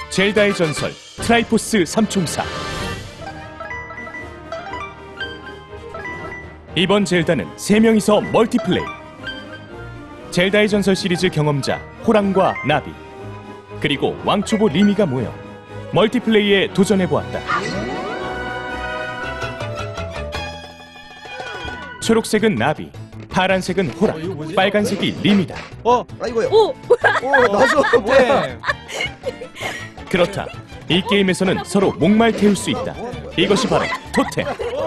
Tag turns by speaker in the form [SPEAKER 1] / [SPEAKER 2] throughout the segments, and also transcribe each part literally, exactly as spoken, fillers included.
[SPEAKER 1] 젤다의 전설 트라이포스 삼총사. 이번 젤다는 세 명이서 멀티플레이. 젤다의 전설 시리즈 경험자 호랑과 나비, 그리고 왕초보 리미가 모여 멀티플레이에 도전해보았다. 초록색은 나비, 파란색은 호랑, 빨간색이 리미다.
[SPEAKER 2] 어?
[SPEAKER 3] 아 이거요.
[SPEAKER 4] 오!
[SPEAKER 3] 오 나서 뭐야?
[SPEAKER 2] 네.
[SPEAKER 1] 그렇다. 이 게임에서는 서로 목말 태울 수 있다. 이것이 바로 토템.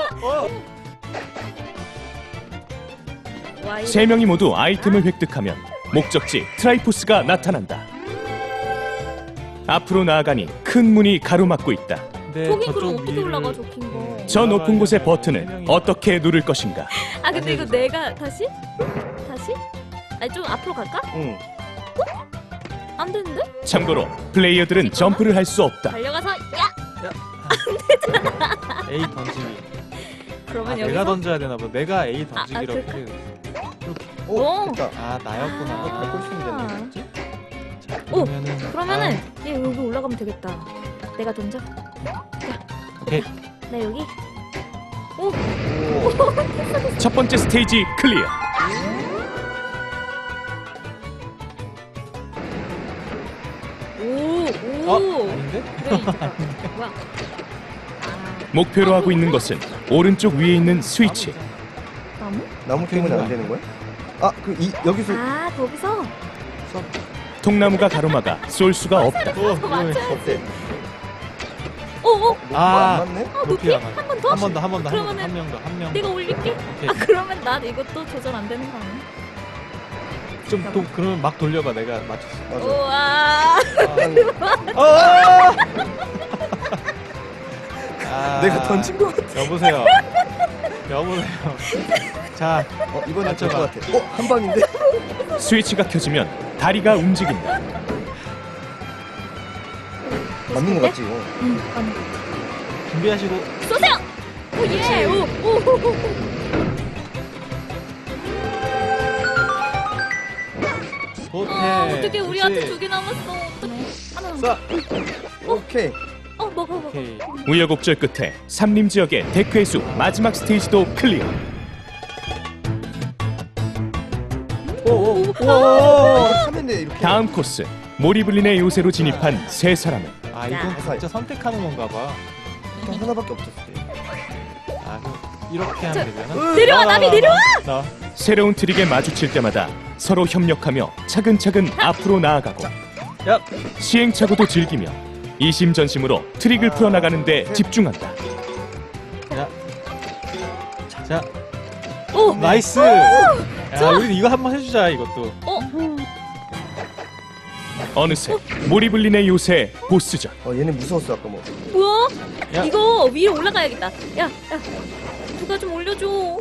[SPEAKER 1] 세 명이 모두 아이템을 획득하면 목적지 트라이포스가 나타난다. 앞으로 나아가니 큰 문이 가로막고 있다.
[SPEAKER 2] 네,
[SPEAKER 4] 저긴 그럼
[SPEAKER 2] 저쪽
[SPEAKER 4] 어떻게
[SPEAKER 2] 위를
[SPEAKER 4] 올라가, 저 긴 거?
[SPEAKER 1] 저 높은 곳의 버튼을 어떻게 누를 것인가?
[SPEAKER 4] 아 근데 이거 내가 다시? 다시? 아니 좀 앞으로 갈까?
[SPEAKER 3] 응.
[SPEAKER 4] 안 되는데?
[SPEAKER 1] 참고로 플레이어들은 점프를 할 수 없다.
[SPEAKER 4] 달려가서 야!
[SPEAKER 2] A 던지기.
[SPEAKER 4] 그러면
[SPEAKER 2] 아,
[SPEAKER 4] 여기서
[SPEAKER 2] 내가 던져야 되나 봐. 내가 A
[SPEAKER 4] 아, 아,
[SPEAKER 2] 던지기로
[SPEAKER 4] 그럴까?
[SPEAKER 2] 이렇게.
[SPEAKER 3] 오
[SPEAKER 4] 오.
[SPEAKER 3] 됐다.
[SPEAKER 2] 아, 나였구나.
[SPEAKER 3] 어, 밟고 있으면 되는 거지?
[SPEAKER 2] 자,
[SPEAKER 4] 오,
[SPEAKER 2] 그러면은
[SPEAKER 4] 그러면은
[SPEAKER 2] 아,
[SPEAKER 4] 얘 여기 올라가면 되겠다. 내가 던져.
[SPEAKER 2] 오케이.
[SPEAKER 4] 나 여기. 오!
[SPEAKER 3] 오.
[SPEAKER 1] 첫 번째 스테이지 클리어.
[SPEAKER 4] 오!
[SPEAKER 2] 어?
[SPEAKER 4] 오!
[SPEAKER 2] 아닌데?
[SPEAKER 4] 그래 이제 뭐야? 아,
[SPEAKER 1] 목표로 하고 있는 것은 오른쪽 위에 있는 스위치.
[SPEAKER 4] 나무?
[SPEAKER 3] 나무 때문에 안 되는 거야? 아 그 이 여기서
[SPEAKER 4] 아 거기서?
[SPEAKER 1] 통나무가 가로막아 쏠 수가 없다.
[SPEAKER 2] 오,
[SPEAKER 3] 어때?
[SPEAKER 4] 오! 오!
[SPEAKER 2] 아,
[SPEAKER 3] 안 맞네?
[SPEAKER 4] 어, 높이? 한 번 더?
[SPEAKER 2] 한 번 더, 한 번 더, 한
[SPEAKER 4] 그러면은
[SPEAKER 2] 명 더, 한 명 더.
[SPEAKER 4] 내가 올릴게?
[SPEAKER 2] 오케이.
[SPEAKER 4] 아 그러면 난 이것도 조절 안 되는 거 아니야?
[SPEAKER 2] 좀 또 그러면 막 돌려봐. 내가 맞췄어.
[SPEAKER 3] 맞아.
[SPEAKER 4] 우와!
[SPEAKER 2] 아. 아,
[SPEAKER 3] 내가 던진 거 같아.
[SPEAKER 2] 여보세요. 여보세요. 자,
[SPEAKER 3] 어 이번엔 될것
[SPEAKER 2] 맞춰봐.
[SPEAKER 3] 같아. 어한 방인데?
[SPEAKER 1] 스위치가 켜지면 다리가 움직인다.
[SPEAKER 3] 맞는 거 같지? 어.
[SPEAKER 4] 응, 아니.
[SPEAKER 2] 준비하시고.
[SPEAKER 4] 쏘세요! 오 예! 오! 오! 오! 오.
[SPEAKER 2] 호텔.
[SPEAKER 4] 아 어떻게 우리한테
[SPEAKER 2] 그렇지.
[SPEAKER 4] 두 개 남았어? 어떡해. 하나 남았어.
[SPEAKER 2] 쏴.
[SPEAKER 3] 오케이.
[SPEAKER 4] 어 먹어 먹어.
[SPEAKER 2] 오케이.
[SPEAKER 1] 우여곡절 끝에 삼림 지역의 데크의 숲 마지막 스테이지도 클리어.
[SPEAKER 3] 오오. 우와. 하면 돼 이렇게.
[SPEAKER 1] 다음 코스 모리블린의 요새로 진입한 세 사람은
[SPEAKER 2] 아, 이건 진짜 선택하는 건가 봐.
[SPEAKER 3] 또 하나밖에 없었어.
[SPEAKER 2] 아, 그럼 이렇게 하면
[SPEAKER 4] 저-
[SPEAKER 2] 되잖아.
[SPEAKER 4] 내려와,
[SPEAKER 2] 나,
[SPEAKER 4] 나비,
[SPEAKER 2] 나,
[SPEAKER 4] 내려와!
[SPEAKER 2] 나.
[SPEAKER 1] 새로운 트릭에 마주칠 때마다 서로 협력하며 차근차근 앞으로 나아가고
[SPEAKER 2] 야,
[SPEAKER 1] 시행착오도 즐기며 이심전심으로 트릭을 풀어나가는 데 집중한다.
[SPEAKER 2] 야. 자,
[SPEAKER 4] 오!
[SPEAKER 2] 나이스. 야,
[SPEAKER 4] 좋아.
[SPEAKER 2] 우리 이거 한번 해주자, 이것도.
[SPEAKER 4] 어?
[SPEAKER 1] 어느새 모리블린의 요새 보스전.
[SPEAKER 3] 어 얘네 무서웠어 아까 뭐.
[SPEAKER 4] 뭐야?
[SPEAKER 2] 야.
[SPEAKER 4] 이거 위로 올라가야겠다. 야, 야. 누가 좀 올려줘.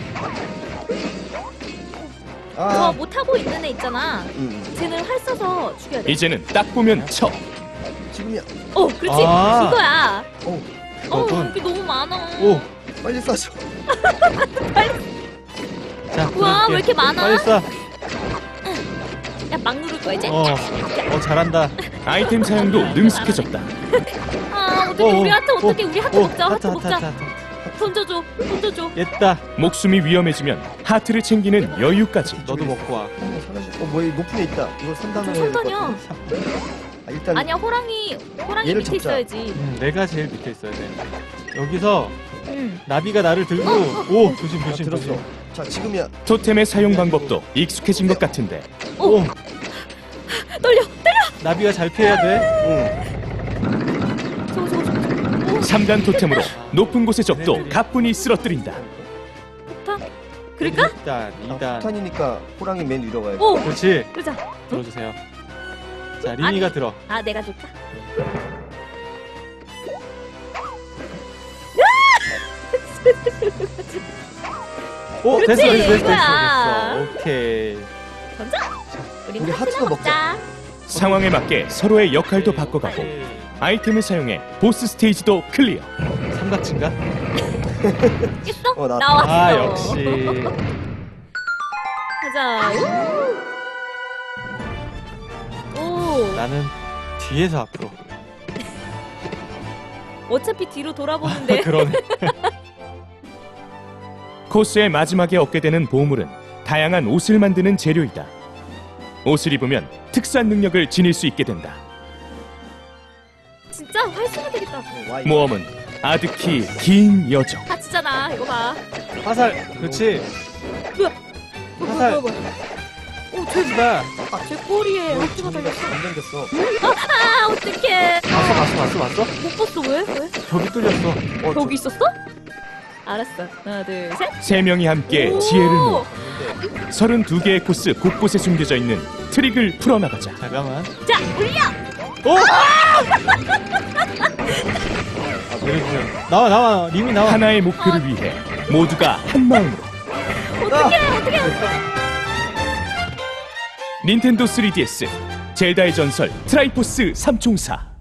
[SPEAKER 4] 저
[SPEAKER 3] 아.
[SPEAKER 4] 못 타고 있는 애 있잖아.
[SPEAKER 3] 응.
[SPEAKER 4] 쟤는 활 쏴서 죽여야 돼.
[SPEAKER 1] 이제는 딱 보면 쳐.
[SPEAKER 3] 지금이야.
[SPEAKER 4] 어, 그렇지.
[SPEAKER 2] 아.
[SPEAKER 4] 이거야.
[SPEAKER 3] 오
[SPEAKER 4] 어,
[SPEAKER 2] 그거군.
[SPEAKER 4] 이게 너무 많아.
[SPEAKER 2] 오,
[SPEAKER 3] 빨리 쏴줘.
[SPEAKER 2] 자.
[SPEAKER 4] 우와,
[SPEAKER 2] 그럴게.
[SPEAKER 4] 왜 이렇게 많아?
[SPEAKER 2] 빨리 쏴.
[SPEAKER 4] 야, 막 누를 거야 이제.
[SPEAKER 2] 어, 어, 잘한다.
[SPEAKER 1] 아이템 사용도 능숙해졌다.
[SPEAKER 4] 아, 어떻게
[SPEAKER 2] 오,
[SPEAKER 4] 우리 하트
[SPEAKER 2] 오,
[SPEAKER 4] 어떻게 우리 하트
[SPEAKER 2] 오,
[SPEAKER 4] 먹자. 하트
[SPEAKER 2] 하트,
[SPEAKER 4] 먹자.
[SPEAKER 2] 하트, 하트.
[SPEAKER 4] 던져줘. 던져줘.
[SPEAKER 2] 됐다.
[SPEAKER 1] 목숨이 위험해지면 하트를 챙기는 여유까지.
[SPEAKER 2] 너도 먹고 와.
[SPEAKER 3] 어 사라져. 어 뭐야 높은 애 있다. 이거 삼 단으로
[SPEAKER 4] 저
[SPEAKER 3] 해야 될것
[SPEAKER 4] 삼단이야.
[SPEAKER 3] 같은데? 아 일단
[SPEAKER 4] 아니야, 호랑이 호랑이
[SPEAKER 3] 얘를
[SPEAKER 4] 밑에
[SPEAKER 3] 잡자.
[SPEAKER 4] 있어야지.
[SPEAKER 2] 음, 내가 제일 밑에 있어야 돼. 여기서
[SPEAKER 4] 응.
[SPEAKER 2] 나비가 나를 들고, 오, 조심,
[SPEAKER 3] 아,
[SPEAKER 2] 조심,
[SPEAKER 3] 들었어.
[SPEAKER 2] 조심.
[SPEAKER 3] 자 지금이야.
[SPEAKER 1] 토템의 사용 방법도 익숙해진 것 같은데
[SPEAKER 2] 오,
[SPEAKER 4] 떨려. 떨려.
[SPEAKER 2] 나비가 잘 피해야 돼.
[SPEAKER 3] 응.
[SPEAKER 4] 저거 저거 저거. 오,
[SPEAKER 1] 삼 단 토템으로 높은 곳의 적도 가뿐히 쓰러뜨린다.
[SPEAKER 4] 폭탄. 그럴까?
[SPEAKER 2] 일 단, 이
[SPEAKER 3] 아,
[SPEAKER 2] 단.
[SPEAKER 3] 폭탄이니까 호랑이 맨 위로 가야 돼.
[SPEAKER 4] 오.
[SPEAKER 2] 그렇지.
[SPEAKER 4] 그러자.
[SPEAKER 2] 들어주세요. 자, 리니가
[SPEAKER 4] 아니.
[SPEAKER 2] 들어.
[SPEAKER 4] 아, 내가 좋다.
[SPEAKER 2] 오,
[SPEAKER 4] 그렇지,
[SPEAKER 2] 됐어, 됐어, 됐어,
[SPEAKER 4] 이거야.
[SPEAKER 2] 됐어. 오케이.
[SPEAKER 4] 던져. 우리
[SPEAKER 3] 우리
[SPEAKER 4] 하트나
[SPEAKER 3] 하트도
[SPEAKER 4] 먹자.
[SPEAKER 1] 상황에 맞게 서로의 역할도 바꿔가고
[SPEAKER 2] 오케이.
[SPEAKER 1] 아이템을 사용해 보스 스테이지도 클리어.
[SPEAKER 2] 삼각친가?
[SPEAKER 4] 깼어?
[SPEAKER 3] 어, 나-
[SPEAKER 4] 나왔어.
[SPEAKER 2] 아, 역시.
[SPEAKER 4] 가자. 오. 오.
[SPEAKER 2] 나는 뒤에서 앞으로.
[SPEAKER 4] 어차피 뒤로 돌아보는데.
[SPEAKER 2] 그러네.
[SPEAKER 1] 코스의 마지막에 얻게 되는 보물은 다양한 옷을 만드는 재료이다. 옷을 입으면 특수한 능력을 지닐 수 있게 된다.
[SPEAKER 4] 진짜 활성화 되겠다.
[SPEAKER 3] 와이.
[SPEAKER 1] 모험은 아득히 긴 여정.
[SPEAKER 4] 다치잖아. 이거 봐.
[SPEAKER 2] 화살. 그렇지.
[SPEAKER 4] 뭐야? 뭐야,
[SPEAKER 2] 화살.
[SPEAKER 4] 뭐야, 뭐야. 오, 제,
[SPEAKER 2] 나
[SPEAKER 4] 제 꼬리에
[SPEAKER 3] 어,
[SPEAKER 4] 억지가
[SPEAKER 3] 정리가
[SPEAKER 4] 달렸어.
[SPEAKER 3] 안 당겼어.
[SPEAKER 4] 아, 어떡해.
[SPEAKER 2] 봤어 봤어 봤어 봤어?
[SPEAKER 4] 못 봤어. 왜? 왜?
[SPEAKER 2] 벽이 뚫렸어.
[SPEAKER 3] 어,
[SPEAKER 4] 여기 있었어? 알았어. 하나, 둘, 셋.
[SPEAKER 1] 세 명이 함께
[SPEAKER 4] 오!
[SPEAKER 1] 지혜를 모아 서른두 개의 코스 곳곳에 숨겨져 있는 트릭을 풀어나가자.
[SPEAKER 2] 잠깐만.
[SPEAKER 4] 자, 올려!
[SPEAKER 2] 오! 내려주세요. 나와 나와 님이 나와.
[SPEAKER 1] 하나의 목표를 위해 모두가 한 마음으로.
[SPEAKER 4] 어떡해, 어떡해.
[SPEAKER 1] 닌텐도 쓰리디에스 젤다의 전설 트라이포스 삼총사.